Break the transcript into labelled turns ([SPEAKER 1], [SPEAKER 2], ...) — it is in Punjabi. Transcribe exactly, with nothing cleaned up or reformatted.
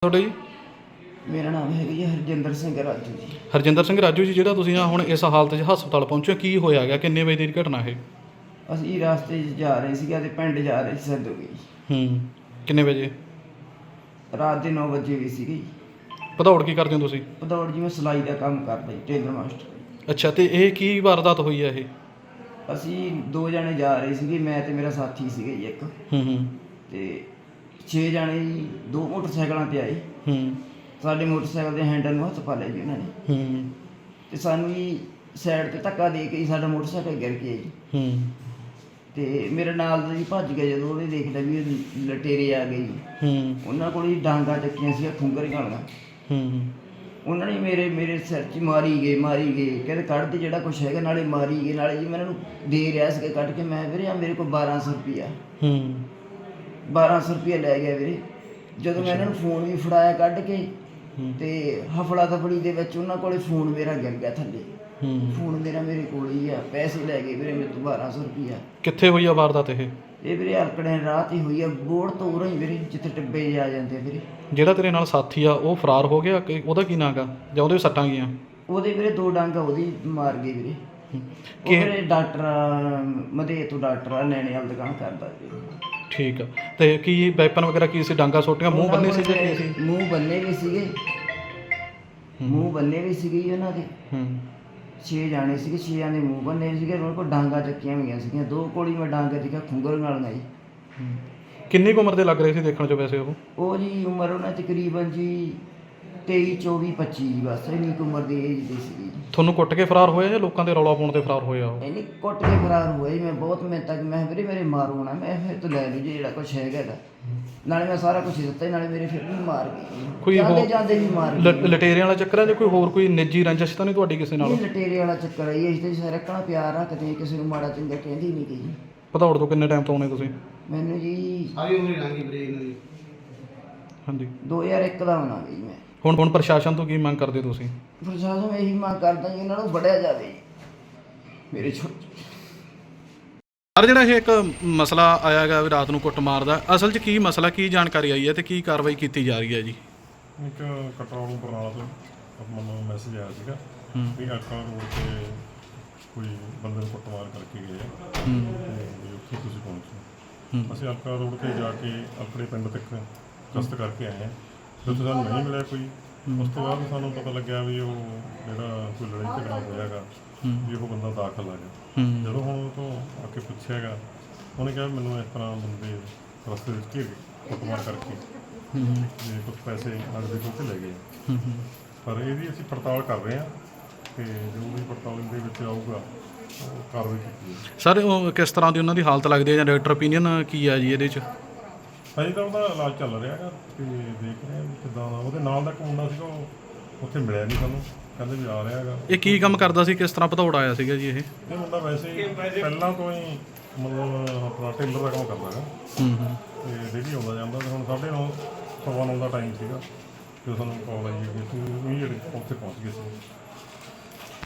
[SPEAKER 1] ਤੁਹਾਡਾ ਜੀ?
[SPEAKER 2] ਮੇਰਾ ਨਾਮ ਹੈਗਾ ਜੀ ਹਰਜਿੰਦਰ ਸਿੰਘ ਰਾਜੂ ਜੀ।
[SPEAKER 1] ਹਰਜਿੰਦਰ ਸਿੰਘ ਰਾਜੂ ਜੀ, ਜਿਹੜਾ ਤੁਸੀਂ ਆ ਹੁਣ ਇਸ ਹਾਲਤ 'ਚ ਹਸਪਤਾਲ ਪਹੁੰਚੇ, ਕੀ ਹੋਇਆ ਗਿਆ? ਕਿੰਨੇ ਵਜੇ ਦੀ ਘਟਨਾ ਇਹ?
[SPEAKER 2] ਅਸੀਂ ਰਸਤੇ 'ਚ ਜਾ ਰਹੇ ਸੀਗੇ ਅਤੇ ਪਿੰਡ ਜਾ ਰਹੇ ਸੀ ਸਦੋਗੇ ਜੀ।
[SPEAKER 1] ਹੂੰ, ਕਿੰਨੇ ਵਜੇ?
[SPEAKER 2] ਰਾਤ ਦੇ ਨੌ ਵਜੇ ਵੀ ਸੀਗੇ ਜੀ।
[SPEAKER 1] ਭਦੌੜ ਕੀ ਕਰਦੇ ਹੋ ਤੁਸੀਂ?
[SPEAKER 2] ਭਦੌੜ ਜੀ ਮੈਂ ਸਿਲਾਈ ਦਾ ਕੰਮ ਕਰਦਾ ਜੀ, ਟੇਲਰ ਮਾਸਟਰ।
[SPEAKER 1] ਅੱਛਾ, ਤੇ ਇਹ ਕੀ ਵਾਰਦਾਤ ਹੋਈ ਹੈ ਇਹ?
[SPEAKER 2] ਅਸੀਂ ਦੋ ਜਣੇ ਜਾ ਰਹੇ ਸੀਗੇ, ਮੈਂ ਤੇ ਮੇਰਾ ਸਾਥੀ ਸੀਗੇ ਜੀ ਇੱਕ।
[SPEAKER 1] ਹੂੰ ਹੂੰ
[SPEAKER 2] ਅਤੇ ਛੇ ਜਣੇ ਜੀ ਦੋ ਮੋਟਰਸਾਈਕਲਾਂ 'ਤੇ ਆਏ।
[SPEAKER 1] ਹੂੰ
[SPEAKER 2] ਸਾਡੇ ਮੋਟਰਸਾਈਕਲ ਦੇ ਹੈਂਡਲ ਨੂੰ ਹੱਥ ਪਾ ਲਿਆ ਜੀ ਉਹਨਾਂ ਨੇ,
[SPEAKER 1] ਹੂੰ
[SPEAKER 2] ਅਤੇ ਸਾਨੂੰ ਜੀ ਸਾਈਡ 'ਤੇ ਧੱਕਾ ਦੇ ਕੇ ਜੀ ਸਾਡਾ ਮੋਟਰਸਾਈਕਲ ਗਿਰ ਗਿਆ ਜੀ।
[SPEAKER 1] ਹੂੰ
[SPEAKER 2] ਅਤੇ ਮੇਰੇ ਨਾਲ ਦਾ ਜੀ ਭੱਜ ਗਿਆ, ਜਦੋਂ ਉਹਨੇ ਦੇਖ ਲਿਆ ਵੀ ਇਹ ਲਟੇਰੇ ਆ ਗਏ ਜੀ।
[SPEAKER 1] ਹੂੰ
[SPEAKER 2] ਉਹਨਾਂ ਕੋਲ ਜੀ ਡਾਂਗਾ ਚੱਕੀਆਂ ਸੀ, ਖੁੰਗਰ ਗਾਲੀਆਂ।
[SPEAKER 1] ਹੂੰ
[SPEAKER 2] ਉਹਨਾਂ ਨੇ ਮੇਰੇ ਮੇਰੇ ਸਿਰ 'ਚ ਮਾਰੀ ਗਏ ਮਾਰੀ ਗਏ ਕਹਿੰਦੇ ਕੱਢ ਦੇ ਜਿਹੜਾ ਕੁਛ ਹੈਗਾ, ਨਾਲੇ ਮਾਰੀ ਗਏ ਨਾਲੇ ਜੀ ਮੈਂ ਇਹਨਾਂ ਨੂੰ ਦੇ ਰਿਹਾ ਸੀਗਾ ਕੱਢ ਕੇ। ਮੈਂ ਵੀਰੇ ਆ ਮੇਰੇ ਕੋਲ ਬਾਰਾਂ ਸੌ ਰੁਪਈਆ
[SPEAKER 1] ਹੂੰ
[SPEAKER 2] ਬਾਰਾਂ ਸੌ ਰੁਪਈਆ ਲੈ ਗਿਆ ਵੀਰੇ। ਜਦੋਂ ਮੈਂ ਇਹਨਾਂ ਨੂੰ ਫੋਨ ਵੀ ਫੜਾਇਆ ਕੱਢ ਕੇ, ਅਤੇ ਹਫੜਾ ਦਫੜੀ ਦੇ ਵਿੱਚ ਉਹਨਾਂ ਕੋਲੇ ਫੋਨ ਮੇਰਾ ਗਿਰ ਗਿਆ ਥੱਲੇ। ਫੋਨ ਮੇਰਾ ਮੇਰੇ ਕੋਲ ਹੀ ਆ, ਪੈਸੇ ਲੈ ਗਏ ਵੀਰੇ ਮੇਰੇ ਤੋਂ ਬਾਰਾਂ ਸੌ ਰੁਪਈਆ।
[SPEAKER 1] ਕਿੱਥੇ ਹੋਈ ਆ ਵਾਰਦਾਤ ਇਹ?
[SPEAKER 2] ਇਹ ਵੀਰੇ ਹਲਕੜੇ ਰਾਹ 'ਤੇ ਹੋਈ ਆ, ਬੋਰਡ ਤੋਂ ਉਰਾਂ ਹੀ ਵੀਰੇ, ਜਿੱਥੇ ਟਿੱਬੇ ਜਿਹੇ ਆ ਜਾਂਦੇ ਆ ਵੀਰੇ।
[SPEAKER 1] ਜਿਹੜਾ ਤੇਰੇ ਨਾਲ ਸਾਥੀ ਆ ਉਹ ਫਰਾਰ ਹੋ ਗਿਆ ਕਿ ਉਹਦਾ ਕੀ ਨਾਂ ਗਾ, ਜਾਂ ਉਹਦੇ ਸੱਟਾਂ ਗਈਆਂ?
[SPEAKER 2] ਉਹਦੇ ਵੀਰੇ ਦੋ ਡਾਂਗਾ ਉਹਦੀ ਮਾਰ ਗਏ ਵੀਰੇ। ਉਹ
[SPEAKER 1] ਕਿ
[SPEAKER 2] ਵੀਰੇ ਡਾਕਟਰ ਮਧੇ ਤੋਂ ਡਾਕਟਰ ਆ, ਨੈਣੇ ਵਾਲ ਦੁਕਾਨ ਕਰਦਾ ਜੀ।
[SPEAKER 1] ਠੀਕ ਆ, ਤੇ ਕੀ ਵੈਪਨ ਵਗੈਰਾ ਕੀ ਸੀ? ਡਾਂਗਾ ਸੋਟੀਆਂ, ਮੂੰਹ ਬੰਨੇ ਸੀ ਜਾਂ ਕੀ ਸੀ?
[SPEAKER 2] ਮੂੰਹ ਬੰਨੇ ਵੀ ਸੀਗੇ, ਮੂੰਹ ਬੰਨੇ ਵੀ ਸੀਗੇ ਜੀ ਉਹਨਾਂ ਦੇ।
[SPEAKER 1] ਹੂੰ
[SPEAKER 2] ਛੇ ਜਾਣੇ ਸੀਗੇ, ਛੇਆਂ ਦੇ ਮੂੰਹ ਬੰਨੇ ਵੀ ਸੀਗੇ। ਉਹਨਾਂ ਕੋਲ ਡਾਂਗਾ ਚੱਕੀਆਂ ਹੋਈਆਂ ਸੀਗੀਆਂ, ਦੋ ਕੋਲੀ ਮੈਂ ਡਾਂਗਾ ਦੇਖਿਆ ਖੁੰਗਰ ਨਾਲੀਆਂ ਜੀ।
[SPEAKER 1] ਕਿੰਨੀ ਕੁ ਉਮਰ ਦੇ ਲੱਗ ਰਹੇ ਸੀ ਦੇਖਣ 'ਚ ਵੈਸੇ ਉਹ?
[SPEAKER 2] ਉਹ ਜੀ ਉਮਰ ਉਹਨਾਂ ਤਕਰੀਬਨ ਜੀ ਤੇਈ ਚੌਵੀ ਪੱਚੀ ਜੀ, ਬਸ ਇੰਨੀ ਕੁ ਉਮਰ ਦੀ ਏਜ ਦੀ ਸੀਗੀ ਜੀ।
[SPEAKER 1] ਤੁਹਾਨੂੰ ਕੁੱਟ ਕੇ ਫਰਾਰ ਹੋਇਆ ਜਾਂ ਲੋਕਾਂ ਦੇ ਰੌਲਾ ਪਾਉਣ ਤੇ ਫਰਾਰ ਹੋਇਆ ਉਹ?
[SPEAKER 2] ਇੰਨੀ ਕੁੱਟ ਕੇ ਫਰਾਰ ਹੋਏ। ਮੈਂ ਬਹੁਤ ਮਿਹਨਤ ਤੱਕ ਮੈਂ ਵੀਰੇ ਮੇਰੇ ਮਾਰੂ ਨਾ, ਮੈਂ ਫਿਰ ਤੋਂ ਲੈ ਲੂ ਜੀ ਜਿਹੜਾ ਕੁਛ ਹੈਗਾ ਇਹਦਾ। ਨਾਲੇ ਮੈਂ ਸਾਰਾ ਕੁਛ ਦਿੱਤਾ, ਨਾਲੇ ਮੇਰੇ ਫਿਰ ਵੀ ਮਾਰ ਗਏ,
[SPEAKER 1] ਕੋਈ
[SPEAKER 2] ਜਾਂਦੇ ਜਾਂਦੇ ਵੀ ਮਾਰ
[SPEAKER 1] ਲ-
[SPEAKER 2] ਗਏ।
[SPEAKER 1] ਲਟੇਰਿਆਂ ਵਾਲਾ ਚੱਕਰ ਹੈ ਜਾਂ ਕੋਈ ਹੋਰ ਕੋਈ ਨਿੱਜੀ ਰੰਜਿਸ਼ ਤਾਂ ਨਹੀਂ ਤੁਹਾਡੀ ਕਿਸੇ ਨਾਲ?
[SPEAKER 2] ਇਹ ਲਟੇਰੇ ਵਾਲਾ ਚੱਕਰ ਹੈ ਜੀ। ਅਸੀਂ ਤਾਂ ਸਾਰਾ ਰੱਖਣਾ ਪਿਆਰ ਰੱਖਦੇ ਹਾਂ, ਕਿਸੇ ਨੂੰ ਮਾੜਾ ਚੰਗਾ ਕਹਿੰਦੀ ਨਹੀਂ ਜੀ।
[SPEAKER 1] ਭਦੌੜ ਤੋਂ ਕਿੰਨੇ ਟਾਈਮ ਤੋਂ ਆਉਣੇ ਤੁਸੀਂ?
[SPEAKER 2] ਮੈਨੂੰ ਜੀ
[SPEAKER 3] ਸਾਰੀ ਉਮਰ ਹੀ ਲੰਘੀ ਵੀਰੇ ਇਹਨਾਂ ਦੀ।
[SPEAKER 1] ਹਾਂਜੀ,
[SPEAKER 2] ਦੋ ਹਜ਼ਾਰ ਇੱਕ ਦਾ ਆਉਣਾ ਜੀ ਮੈਂ।
[SPEAKER 1] ਹੁਣ ਹੁਣ ਪ੍ਰਸ਼ਾਸਨ ਤੋਂ ਕੀ ਮੰਗ ਕਰਦੇ ਹੋ ਤੁਸੀਂ?
[SPEAKER 2] ਪ੍ਰਸ਼ਾਸਨ ਨੂੰ ਇਹੀ ਮੰਗ ਕਰਦਾ ਜੀ, ਇਹਨਾਂ ਨੂੰ ਫੜਿਆ ਜਾਵੇ ਜੀ ਮੇਰੇ ਛੋਟੇ।
[SPEAKER 1] ਸਰ, ਜਿਹੜਾ ਇਹ ਇੱਕ ਮਸਲਾ ਆਇਆ ਗਾ ਵੀ ਰਾਤ ਨੂੰ ਕੁੱਟ ਮਾਰਦਾ, ਅਸਲ 'ਚ ਕੀ ਮਸਲਾ, ਕੀ ਜਾਣਕਾਰੀ ਆਈ ਹੈ ਤੇ ਕੀ ਕਾਰਵਾਈ ਕੀਤੀ ਜਾ ਰਹੀ ਹੈ ਜੀ?
[SPEAKER 4] ਇੱਕ ਕਟਰਾਲੋਂ ਬਰਨਾਲਾ ਤੋਂ ਮੈਨੂੰ ਮੈਸੇਜ ਆਇਆ ਸੀਗਾ ਵੀ ਅਲਕਾ ਰੋਡ 'ਤੇ ਕੋਈ ਬੰਦੇ ਨੂੰ ਕੁੱਟਮਾਰ ਕਰਕੇ ਗਏ ਆ ਤੇ ਵੀ ਉੱਥੇ ਤੁਸੀਂ ਪਹੁੰਚੋ। ਅਸੀਂ ਅਲਕਾ ਰੋਡ 'ਤੇ ਜਾ ਕੇ ਆਪਣੇ ਪਿੰਡ ਤੱਕ ਗਸ਼ਤ ਕਰਕੇ ਆਏ ਹਾਂ। ਜਦੋਂ ਸਾਨੂੰ ਨਹੀਂ ਮਿਲਿਆ ਕੋਈ, ਉਸ ਤੋਂ ਬਾਅਦ ਸਾਨੂੰ ਪਤਾ ਲੱਗਿਆ ਵੀ ਉਹ ਜਿਹੜਾ ਕੋਈ ਲੜਾਈ ਝਗੜਾ ਹੋਇਆ ਗਾ ਵੀ ਉਹ ਬੰਦਾ ਦਾਖਲ ਆ ਗਿਆ। ਜਦੋਂ ਹੁਣ ਉਹ ਤੋਂ ਆ ਕੇ ਪੁੱਛਿਆ ਗਾ, ਉਹਨੇ ਕਿਹਾ ਮੈਨੂੰ ਇਸ ਤਰ੍ਹਾਂ ਬੰਦੇ ਰਸਤੇ ਵਿੱਚ ਘੇਰ ਕੁੱਟਮਾਰ ਕਰਕੇ ਤੇ ਕੁਝ ਪੈਸੇ ਨਗਦ ਦੇ ਕੇ ਲੈ ਗਏ। ਪਰ ਇਹਦੀ ਅਸੀਂ ਪੜਤਾਲ ਕਰ ਰਹੇ ਹਾਂ ਅਤੇ ਜੋ ਵੀ ਪੜਤਾਲ ਦੇ ਵਿੱਚ ਆਊਗਾ ਉਹ ਕਾਰਵਾਈ ਕੀਤੀ ਹੈ।
[SPEAKER 1] ਸਰ, ਉਹ ਕਿਸ ਤਰ੍ਹਾਂ ਦੀ ਉਹਨਾਂ ਦੀ ਹਾਲਤ ਲੱਗਦੀ ਹੈ ਜਾਂ ਡਾਕਟਰ ਓਪੀਨੀਅਨ ਕੀ ਆ ਜੀ ਇਹਦੇ 'ਚ?
[SPEAKER 4] ਅਜੇ ਤਾਂ ਉਹਦਾ ਇਲਾਜ ਚੱਲ ਰਿਹਾ ਹੈਗਾ ਅਤੇ ਦੇਖ ਰਹੇ ਹਾਂ ਵੀ ਕਿੱਦਾਂ ਦਾ। ਉਹਦੇ ਨਾਲ ਦਾ ਇੱਕ ਮੁੰਡਾ ਸੀਗਾ, ਉਹ ਉੱਥੇ ਮਿਲਿਆ ਨਹੀਂ ਸਾਨੂੰ, ਕਹਿੰਦੇ ਵੀ ਆ ਰਿਹਾ ਹੈਗਾ।
[SPEAKER 1] ਇਹ ਕੀ ਕੰਮ ਕਰਦਾ ਸੀ? ਕਿਸ ਤਰ੍ਹਾਂ ਭਦੌੜ ਆਇਆ ਸੀਗਾ ਜੀ ਇਹ?
[SPEAKER 4] ਇਹ ਮੁੰਡਾ ਵੈਸੇ ਹੀ ਪਹਿਲਾਂ ਤੋਂ ਹੀ ਮਤਲਬ ਆਪਣਾ ਟੇਲਰ ਦਾ ਕੰਮ ਕਰਦਾ ਹੈਗਾ
[SPEAKER 1] ਹੂੰ ਹੂੰ
[SPEAKER 4] ਅਤੇ ਡੇਲੀ ਆਉਂਦਾ ਜਾਂਦਾ। ਅਤੇ ਹੁਣ ਸਾਢੇ ਨੌ ਸਵਾ ਨੌ ਦਾ ਟਾਈਮ ਸੀਗਾ ਜਦੋਂ ਸਾਨੂੰ ਕਾਲ ਆਈ ਕਿ ਤੁਸੀਂ ਇਮੀਡੀਏਟ ਉੱਥੇ ਪਹੁੰਚ ਗਏ ਸੀ।